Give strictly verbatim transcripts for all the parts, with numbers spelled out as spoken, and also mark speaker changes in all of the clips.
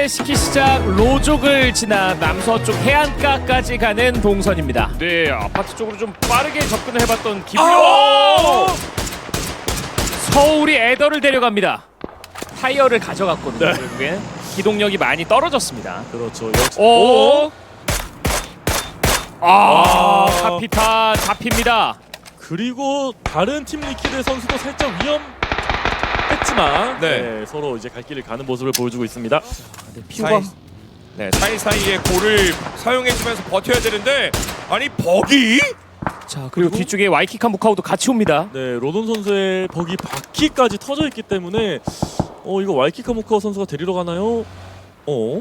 Speaker 1: 스키 시작 로족을 지나 남서쪽 해안가까지 가는 동선입니다. 네, 아파트 쪽으로 좀 빠르게 접근을 해봤던 기블리. 아! 서울이 에더를 데려갑니다. 타이어를 가져갔거든요.
Speaker 2: 네.
Speaker 1: 결국엔 기동력이 많이 떨어졌습니다.
Speaker 2: 그렇죠. 역시.
Speaker 1: 오! 아,
Speaker 2: 아.
Speaker 1: 카피탄 잡힙니다.
Speaker 2: 그리고 다른 팀 리퀴드 선수도 살짝 위험했지만
Speaker 3: 네.
Speaker 2: 네, 서로 이제 갈 길을 가는 모습을 보여주고 있습니다.
Speaker 1: 네, 피우가
Speaker 3: 사이, 네, 사이사이에 골을 사용해주면서 버텨야 되는데 아니 버기?
Speaker 1: 자, 그리고 뒤쪽에 와이키카 무카우도 같이 옵니다.
Speaker 2: 네, 로돈 선수의 버기 바퀴까지 터져 있기 때문에 어 이거 와이키카 모카오 선수가 데리러 가나요? 어?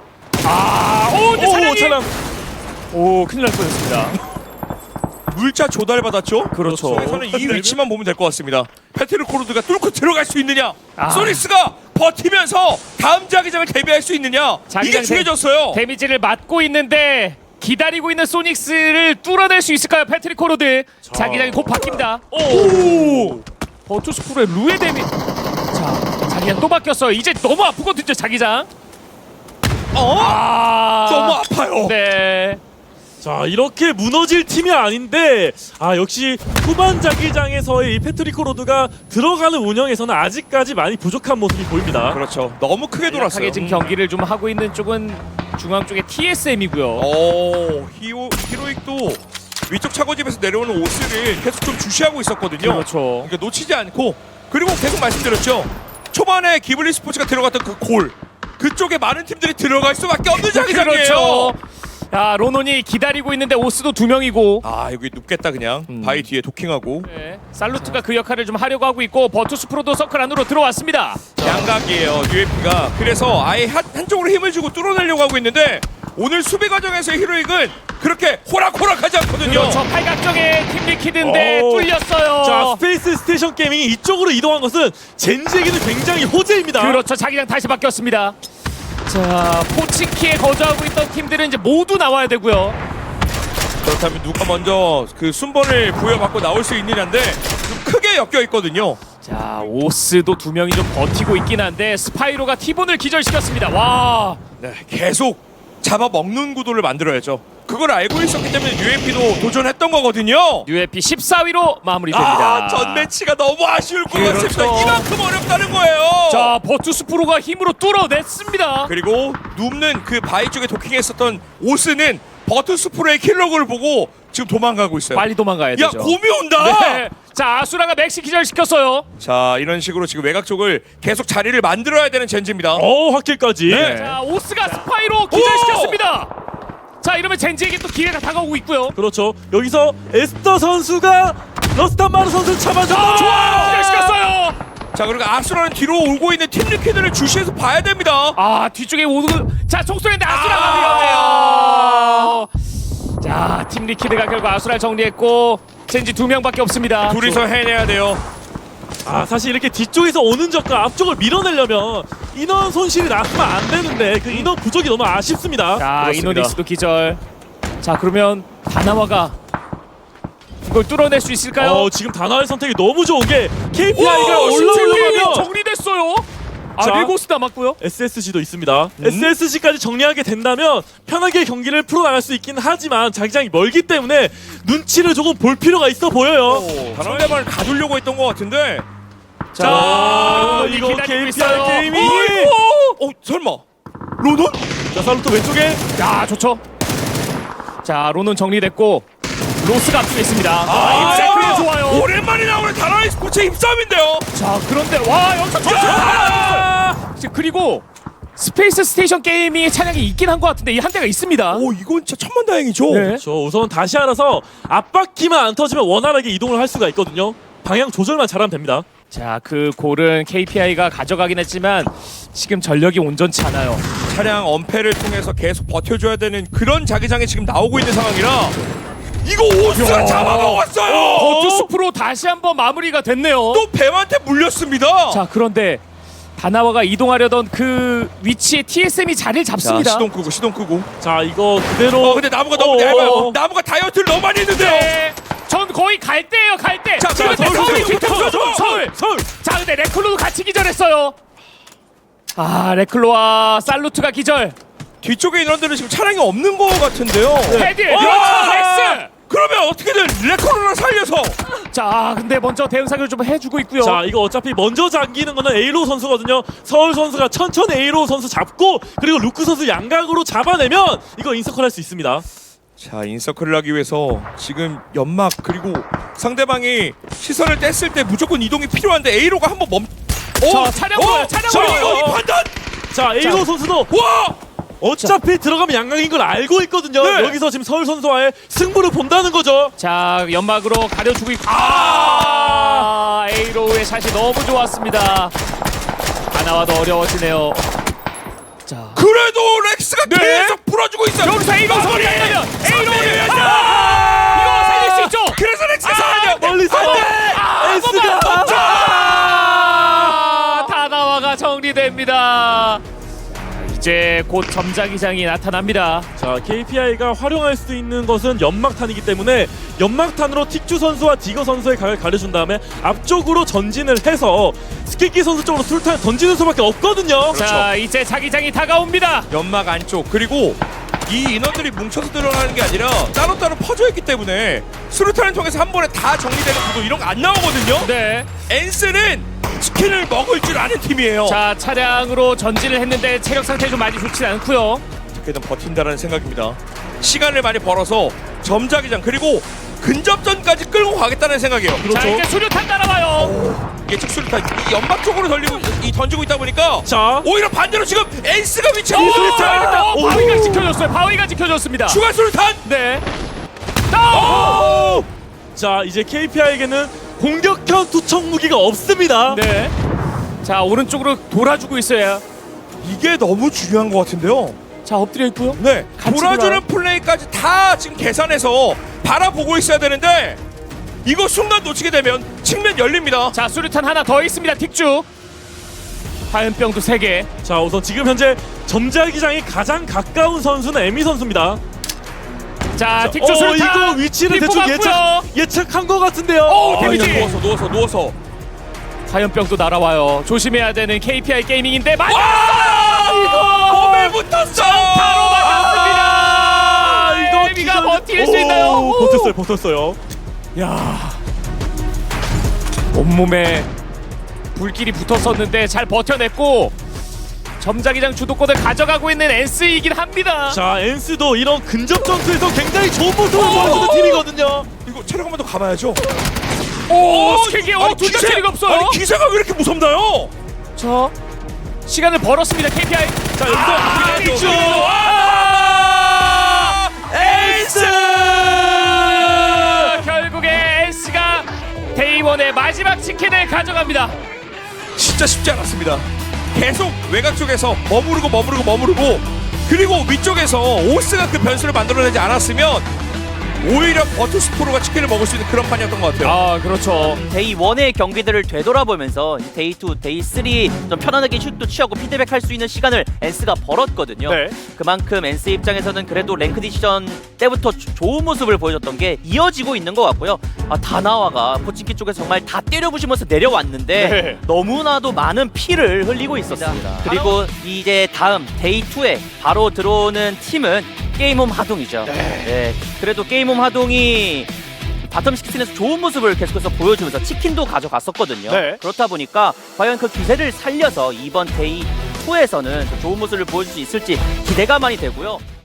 Speaker 1: 아, 오, 근데
Speaker 2: 오,
Speaker 1: 차량이
Speaker 2: 차량.
Speaker 1: 오, 큰일 날 뻔했습니다.
Speaker 3: 물자 조달받았죠?
Speaker 1: 그렇죠.
Speaker 3: 그래서는 이 위치만 보면 될 것 같습니다. 페테르 코르드가 뚫고 들어갈 수 있느냐?
Speaker 1: 아.
Speaker 3: 소닉스가 버티면서 다음 자기장을 대비할 수 있느냐?
Speaker 1: 자기장
Speaker 3: 이게 중요해졌어요.
Speaker 1: 데미지를 맞고 있는데 기다리고 있는 소닉스를 뚫어낼 수 있을까요? 패트릭 코로드. 자기장이 곧 바뀝니다. 오! 버투스프로의 루에 데미. 자, 자기장 또 바뀌었어요. 이제 너무 아프거든요, 자기장.
Speaker 3: 어?
Speaker 1: 아,
Speaker 3: 너무 아파요.
Speaker 1: 네.
Speaker 2: 자, 이렇게 무너질 팀이 아닌데 아 역시 후반 자기장에서의 이 패트리코 로드가 들어가는 운영에서는 아직까지 많이 부족한 모습이 보입니다.
Speaker 3: 그렇죠. 너무 크게 돌았어요.
Speaker 1: 돌아서게 지금 경기를 좀 하고 있는 쪽은 중앙 쪽에 티에스엠이고요.
Speaker 3: 오, 히오, 히로익도 위쪽 차고집에서 내려오는 오스를 계속 좀 주시하고 있었거든요.
Speaker 1: 그렇죠.
Speaker 3: 그러니까 놓치지 않고 그리고 계속 말씀드렸죠. 초반에 기블리 스포츠가 들어갔던 그 골 그쪽에 많은 팀들이 들어갈 수밖에 없는 자기장이에요.
Speaker 1: 그렇죠. 야, 로논이 기다리고 있는데 오스도 두 명이고.
Speaker 3: 아 여기 눕겠다 그냥
Speaker 1: 음.
Speaker 3: 바위 뒤에 도킹하고
Speaker 1: 네. 살루트가 그 역할을 좀 하려고 하고 있고 버투스 프로도 서클 안으로 들어왔습니다.
Speaker 3: 양각이에요 유에피가. 그래서 아예 한, 한쪽으로 힘을 주고 뚫어내려고 하고 있는데 오늘 수비 과정에서의 히로익은 그렇게 호락호락하지 않거든요.
Speaker 1: 그렇죠. 팔각정의 팀 리퀴드인데
Speaker 2: 오.
Speaker 1: 뚫렸어요.
Speaker 2: 자, 스페이스 스테이션 게이밍이 이쪽으로 이동한 것은 젠지에게는 굉장히 호재입니다.
Speaker 1: 그렇죠. 자기장 다시 바뀌었습니다. 자, 포치키에 거주하고 있던 팀들은 이제 모두 나와야 되고요.
Speaker 3: 그렇다면 누가 먼저 그 순번을 부여받고 나올 수 있느냐인데 좀 크게 엮여 있거든요.
Speaker 1: 자, 오스도 두 명이 좀 버티고 있긴 한데 스파이로가 티본을 기절시켰습니다. 와.
Speaker 3: 네, 계속 잡아먹는 구도를 만들어야죠. 그걸 알고 있었기 때문에 유에피도 도전했던 거거든요.
Speaker 1: 유에피 십사 위로 마무리됩니다.
Speaker 3: 아, 전 매치가 너무 아쉬울 것
Speaker 1: 그렇죠.
Speaker 3: 같습니다. 이만큼 어렵다는 거예요.
Speaker 1: 자, 버투스 프로가 힘으로 뚫어냈습니다.
Speaker 3: 그리고 눕는 그 바위 쪽에 도킹했었던 오스는 버투스프로의 킬러그를 보고 지금 도망가고 있어요.
Speaker 1: 빨리 도망가야
Speaker 3: 야,
Speaker 1: 되죠.
Speaker 3: 곰이 온다.
Speaker 1: 네. 자, 아수라가 맥시 기절시켰어요.
Speaker 3: 자, 이런 식으로 지금 외곽 쪽을 계속 자리를 만들어야 되는 젠지입니다.
Speaker 2: 어, 확킬까지.
Speaker 3: 네.
Speaker 1: 자, 오스가 스파이로 기절시켰습니다. 자, 이러면 젠지에게 또 기회가 다가오고 있고요.
Speaker 2: 그렇죠. 여기서 에스터 선수가 러스탄마르 선수를 잡아줬다.
Speaker 1: 아,
Speaker 2: 좋아요.
Speaker 1: 기절시켰어요.
Speaker 3: 자, 그리고 아수라는 뒤로 오고 있는 팀 리퀴드를 주시해서 봐야 됩니다.
Speaker 1: 아, 뒤쪽에 오는 자, 총소리인데 아수라가
Speaker 3: 아.
Speaker 1: 위험해요. 자, 팀 리퀴드가 결국 아수라를 정리했고 젠지 두 명밖에 없습니다.
Speaker 3: 둘이서 해내야 돼요.
Speaker 2: 아, 사실 이렇게 뒤쪽에서 오는 적과 앞쪽을 밀어내려면 인원 손실이 나면 안 되는데 그 인원 부족이 너무 아쉽습니다.
Speaker 1: 자,
Speaker 3: 그렇습니다.
Speaker 1: 이노닉스도 기절. 자, 그러면 다나와가 이걸 뚫어낼 수 있을까요?
Speaker 2: 어, 지금 다나와의 선택이 너무 좋은 게 케이피아이가
Speaker 1: 오,
Speaker 2: 올라오려면
Speaker 1: 정리됐어요. 아,
Speaker 2: 자.
Speaker 1: 릴고스 남았고요.
Speaker 2: 에스에스지도 있습니다.
Speaker 1: 음?
Speaker 2: 에스에스지까지 정리하게 된다면 편하게 경기를 풀어나갈 수 있긴 하지만 자기장이 멀기 때문에 눈치를 조금 볼 필요가 있어 보여요.
Speaker 3: 상대방을 가두려고 했던 것 같은데.
Speaker 1: 자,
Speaker 2: 아,
Speaker 1: 로논이
Speaker 2: 이거
Speaker 1: 기다리고
Speaker 2: 케이피아이
Speaker 1: 있어요.
Speaker 2: 게이밍이
Speaker 3: 어, 설마. 로돈?
Speaker 2: 자, 살루토 왼쪽에
Speaker 1: 야, 좋죠. 자, 로논 정리됐고 로스가 앞쪽에 있습니다. 아, 입사클이 좋아요.
Speaker 3: 오랜만에 나오는 다나이 스포츠의 힘싸움인데요.
Speaker 1: 자, 그런데 와, 여기서
Speaker 3: 야!
Speaker 1: 자, 그리고 스페이스 스테이션 게임이 차량이 있긴 한 것 같은데 이 한 대가 있습니다.
Speaker 3: 오, 이건 진짜 천만다행이죠.
Speaker 1: 네.
Speaker 2: 저 우선 다시 알아서 앞바퀴만 안 터지면 원활하게 이동을 할 수가 있거든요. 방향 조절만 잘하면 됩니다.
Speaker 1: 자, 그 골은 케이피아이가 가져가긴 했지만 지금 전력이 온전치 않아요.
Speaker 3: 차량 엄폐를 통해서 계속 버텨줘야 되는 그런 자기장이 지금 나오고 있는 상황이라 이거 오스가 잡아먹었어요.
Speaker 1: 버투스 프로 다시 한번 마무리가 됐네요.
Speaker 3: 또 뱀한테 물렸습니다.
Speaker 1: 자, 그런데 다나와가 이동하려던 그 위치에 티에스엠이 자리를
Speaker 3: 자,
Speaker 1: 잡습니다.
Speaker 3: 시동 끄고 시동 끄고.
Speaker 2: 자, 이거 그대로
Speaker 3: 어, 근데 나무가 너무
Speaker 2: 어,
Speaker 3: 얇아요.
Speaker 2: 어, 어.
Speaker 3: 나무가 다이어트를 너무 많이 했는데요.
Speaker 1: 네. 전 거의 갈 때예요, 갈 때.
Speaker 3: 자,
Speaker 1: 지금
Speaker 3: 자,
Speaker 1: 서울이
Speaker 3: 서울,
Speaker 1: 빅터
Speaker 3: 서울,
Speaker 1: 서울, 서울.
Speaker 2: 서울.
Speaker 1: 자, 근데 레클로도 같이 기절했어요. 아 레클로와 살루트가 기절.
Speaker 3: 뒤쪽에 인원들은 지금 차량이 없는 거 같은데요.
Speaker 1: 헤드
Speaker 3: 어!
Speaker 1: 그렇죠 렉스.
Speaker 3: 그러면 어떻게든 레코로를 살려서
Speaker 1: 자 근데 먼저 대응 사격을 좀 해주고 있고요.
Speaker 2: 자 이거 어차피 먼저 잠기는 거는 에이로 선수거든요. 서울 선수가 천천히 에이로 선수 잡고 그리고 루크 선수 양각으로 잡아내면 이거 인서클 할 수 있습니다.
Speaker 3: 자 인서클을 하기 위해서 지금 연막 그리고 상대방이 시선을 뗐을 때 무조건 이동이 필요한데 A로가 한번 멈.
Speaker 1: 자, 차량으로요, 차량으로.
Speaker 3: 자, 이 판단.
Speaker 2: 자 에이로
Speaker 1: 자.
Speaker 2: 선수도
Speaker 3: 와.
Speaker 2: 어차피 들어가면 양각인 걸 알고 있거든요.
Speaker 3: 네.
Speaker 2: 여기서 지금 서울 선수와의 승부를 본다는 거죠.
Speaker 1: 자 연막으로 가려주고 있고 아 에이로우의 샷이 너무 좋았습니다. 하나와도 어려워지네요. 자
Speaker 3: 그래도 렉스가
Speaker 1: 네.
Speaker 3: 계속 풀어주고 있어요.
Speaker 1: 여기서 에이로우 소리 안 나면 에이로우를
Speaker 3: 아!
Speaker 1: 아! 이거 살릴 수 있죠.
Speaker 3: 그래서 렉스가
Speaker 1: 아,
Speaker 3: 살아야 돼.
Speaker 2: 멀리서
Speaker 3: 안 돼.
Speaker 2: 에이스가
Speaker 1: 아, 다나와가 정리됩니다. 이제 곧 점자기장이 나타납니다.
Speaker 2: 자 케이피아이가 활용할 수 있는 것은 연막탄이기 때문에 연막탄으로 틱주 선수와 디거 선수의 각을 가려준 다음에 앞쪽으로 전진을 해서 스키키 선수 쪽으로 술탄 던지는 수밖에 없거든요.
Speaker 1: 자 이제 자기장이 다가옵니다.
Speaker 3: 연막 안쪽 그리고 이 인원들이 뭉쳐서 들어가는 게 아니라 따로따로 퍼져 있기 때문에 수류탄을 통해서 한 번에 다 정리되는 구도 이런 거 안 나오거든요.
Speaker 1: 네.
Speaker 3: 엔스는 치킨을 먹을 줄 아는 팀이에요.
Speaker 1: 자 차량으로 전진을 했는데 체력 상태 좀 많이 좋지 않고요.
Speaker 3: 어떻게든 버틴다라는 생각입니다. 시간을 많이 벌어서 점자기장 그리고 근접전까지 끌고 가겠다는 생각이에요.
Speaker 1: 자 이제 수류탄 따라와요.
Speaker 3: 예측 수류탄 이 연막 쪽으로 돌리고 이 던지고 있다 보니까
Speaker 2: 자
Speaker 3: 오히려 반대로 지금 엔스가 위치하고
Speaker 1: 오,
Speaker 3: 있습니다.
Speaker 1: 자, 어,
Speaker 2: 오.
Speaker 1: 바위가 지켜줬어요. 바위가 지켜줬습니다.
Speaker 3: 추가 수류탄.
Speaker 1: 네.
Speaker 3: 오!
Speaker 2: 자 이제 케이피아이에게는 공격형 투척 무기가 없습니다.
Speaker 1: 네. 자 오른쪽으로 돌아주고 있어요.
Speaker 3: 이게 너무 중요한 것 같은데요.
Speaker 1: 자 엎드려 있고요.
Speaker 3: 네,
Speaker 1: 같이
Speaker 3: 돌아주는
Speaker 1: 돌아요.
Speaker 3: 플레이까지 다 지금 계산해서 바라보고 있어야 되는데 이거 순간 놓치게 되면 측면 열립니다.
Speaker 1: 자 수류탄 하나 더 있습니다. 틱주. 화염병도 세 개.
Speaker 2: 자 우선 지금 현재 점자기장이 가장 가까운 선수는 에미 선수입니다.
Speaker 1: 자 틱주
Speaker 2: 어
Speaker 1: 수류탄.
Speaker 2: 이거 위치를
Speaker 1: 뒷부
Speaker 2: 대충
Speaker 1: 맞고요.
Speaker 2: 예측 예측한 것 같은데요.
Speaker 1: 오,
Speaker 3: 아,
Speaker 1: 데미지.
Speaker 3: 그냥 누워서 누워서 누워서.
Speaker 1: 화염병도 날아와요. 조심해야 되는 케이피아이 게이밍인데 맞.
Speaker 3: 와!
Speaker 1: 이거
Speaker 3: 몸에 붙었어.
Speaker 1: 바로 맞았습니다.
Speaker 2: 아, 이거
Speaker 1: 에미가
Speaker 2: 기절-
Speaker 1: 버틸 수
Speaker 2: 오,
Speaker 1: 있나요?
Speaker 2: 버텼어요, 버텼어요.
Speaker 1: 야 온몸에 불길이 붙었었는데 잘 버텨냈고 점자기장 주도권을 가져가고 있는 엔스이긴 합니다.
Speaker 2: 자 엔스도 이런 근접 전투에서 굉장히 좋은 모습을
Speaker 1: 오!
Speaker 2: 보여주는 팀이거든요.
Speaker 3: 이거 체력 한 번 더 감아야죠.
Speaker 1: 오 스킬기
Speaker 3: 아니,
Speaker 1: 둘다
Speaker 3: 기세-
Speaker 1: 체력이 없어요.
Speaker 3: 아니 기세가 왜 이렇게 무섭나요?
Speaker 1: 저 시간을 벌었습니다. 케이피아이.
Speaker 2: 자 여기서
Speaker 3: 아,
Speaker 2: 틱주!
Speaker 3: 틱주!
Speaker 2: 아!
Speaker 3: 에이스!
Speaker 1: 아, 결국에 엔스가 데이원의 마지막 치킨을 가져갑니다.
Speaker 3: 진짜 쉽지 않았습니다. 계속 외곽 쪽에서 머무르고 머무르고 머무르고 그리고 위쪽에서 오스가 그 변수를 만들어내지 않았으면 오히려 버투스프로가 치킨을 먹을 수 있는 그런 판이었던 것 같아요.
Speaker 1: 아 그렇죠.
Speaker 4: 데이 원의 경기들을 되돌아보면서 이제 데이 투, 데이 쓰리 좀 편안하게 슛도 취하고 피드백할 수 있는 시간을 엔스가 벌었거든요.
Speaker 2: 네.
Speaker 4: 그만큼 엔스 입장에서는 그래도 랭크 디시전 때부터 조- 좋은 모습을 보여줬던 게 이어지고 있는 것 같고요. 아, 다나와가 포친키 쪽에서 정말 다 때려부시면서 내려왔는데
Speaker 2: 네.
Speaker 4: 너무나도 많은 피를 흘리고 있었습니다. 그리고 이제 다음 데이 투에 바로 들어오는 팀은 게임홈 하동이죠. 네. 그래도 게임홈 하동이 바텀 식스에서 좋은 모습을 계속해서 보여주면서 치킨도 가져갔었거든요.
Speaker 2: 네.
Speaker 4: 그렇다 보니까 과연 그 기세를 살려서 이번 데이 투에서는 좋은 모습을 보여줄 수 있을지 기대가 많이 되고요.